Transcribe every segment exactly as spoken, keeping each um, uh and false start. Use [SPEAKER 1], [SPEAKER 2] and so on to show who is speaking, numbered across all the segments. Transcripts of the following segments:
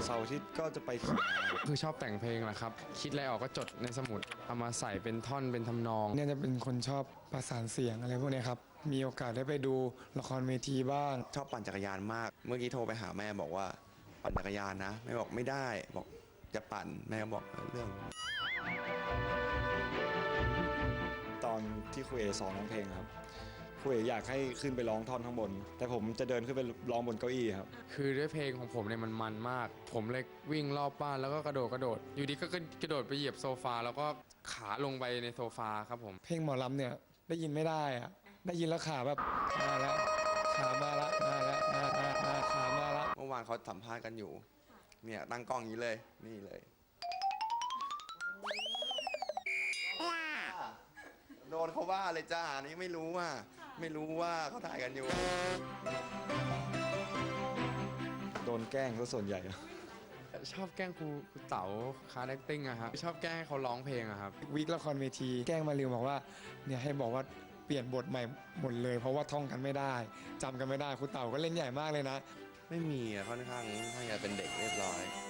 [SPEAKER 1] เสาร์อาทิตย์ก็จะไปขี่ม้า
[SPEAKER 2] คือชอบแต่งเพลงแหละครับคิดอะไรออกก็จดในสมุดเอามาใส่เป็นท่อนเป็นทำนอง
[SPEAKER 3] เนี่ยจะเป็นคนชอบประสานเสียงอะไรพวกเนี้ยครับมีโอกาสได้ไปดูละครเวทีบ้าง
[SPEAKER 4] ชอบปั่นจักรยานมาก เมื่อกี้โทรไปหาแม่บอกว่าปั่นจักรยานนะแม่บอกไม่ได้บอกจะปั่นแม่ก็บอกเออเรื่อง
[SPEAKER 1] ตอนที่ครูเอสอนร้องเพลงครับครูเออยากให้ขึ้นไปร้องท่อนข้างบน แต่ผมจะเดินขึ้นไปร้องบนเก้าอี้ครับ
[SPEAKER 2] คือด้วยเพลงของผมเนี่ยมันมันมาก ผมเลยวิ่งรอบบ้านแล้วก็กระโดดกระโดด อยู่ดีก็กระโดดไปเหยียบโซฟาแล้วก็ขาลงไปในโซฟาครับผม
[SPEAKER 3] เพลงหมอลำเนี่ยได้ยินไม่ได้อะได้ยินแล้วขาแบบมาแล้วขามาละมาแล้วมามามาขามาละ
[SPEAKER 4] เมื่อวานเขาสัมภาษณ์กันอยู่เนี่ยตั้งกล้องอย่างนี้เลยนี่เลยโดนเขาว่าเลยจ้านี่ไม่รู้ว่าไม่รู้ว่าเขาถ่ายกันอยู่
[SPEAKER 1] โดนแกล้งซะส่วนใหญ่
[SPEAKER 2] ชอบแกล้งครูครูเต๋าคาแรคติ้งอะครับชอบแกล้งให้เขาร้องเพลงอะครับ
[SPEAKER 3] วิกละครเวทีแกล้งมาริวบอกว่าเนี่ยให้บอกว่าเปลี่ยนบทใหม่หมดเลย เพราะว่าท่องกันไม่ได้จำกันไม่ได้ครูเต่าก็เล่นใหญ่มากเลยนะ
[SPEAKER 4] ไม่มีอะค่อนข้างค่อนข้างจะเป็นเด็กเรียบร้อย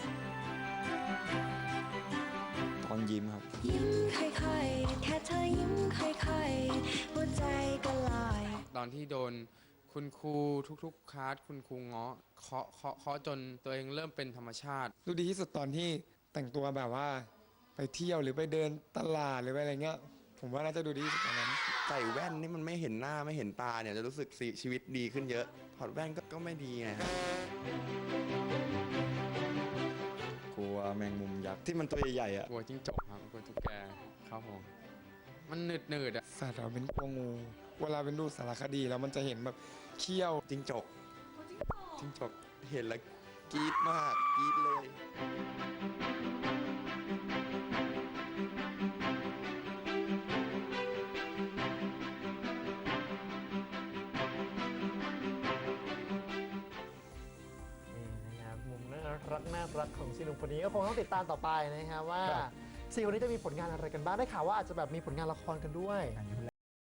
[SPEAKER 1] ตอนยิ้มครับ
[SPEAKER 5] ยิ้มค่อยๆ แค่เธอยิ้มค่อยๆ หัวใจก็ลอย
[SPEAKER 2] ตอนที่โดนคุณครูทุกๆคลาสคุณครูเงาะเคาะเคาะเคาะจนตัวเองเริ่มเป็นธรรมชาติ
[SPEAKER 3] รู้ดีที่สุดตอนที่แต่งตัวแบบว่าไปเที่ยวหรือไปเดินตลาดหรือไปอะไรเงี้ยผมว่าน่าจะดูดีที่สุดตอนนั้น
[SPEAKER 4] ใส่แว่นนี่มันไม่เห็นหน้าไม่เห็นตาเนี่ยจะรู้สึกสิชีวิตดีขึ้นเยอะถอดแว่นก็ก็ไม่ดีไงครับ
[SPEAKER 1] กลัวแมงมุมยักษ์ที่มันตัวใหญ่ๆอ่ะ
[SPEAKER 2] กลัวจิ้งจกครับกลัวตุ๊กแกครับผมมันหนืดหนืดๆอะ
[SPEAKER 3] สัตว์เราเป็นกลัวงูเวลาเป็นดูสารคดีแล้วมันจะเห็นแบบเขี้ยว
[SPEAKER 4] จิ้งจกจิ้งจกเห็นแล้วกรี๊ดมากกรี๊ดเลย
[SPEAKER 6] นี่นะครับมุมน่ารักน่ารักของซีหนุ่มคนนี้ก็คงต้องติดตามต่อไปนะครับว่าสี่คนนี้จะมีผลงานอะไรกันบ้างได้ข่าวว่าอาจจะแบบมีผลงานละครกันด้วย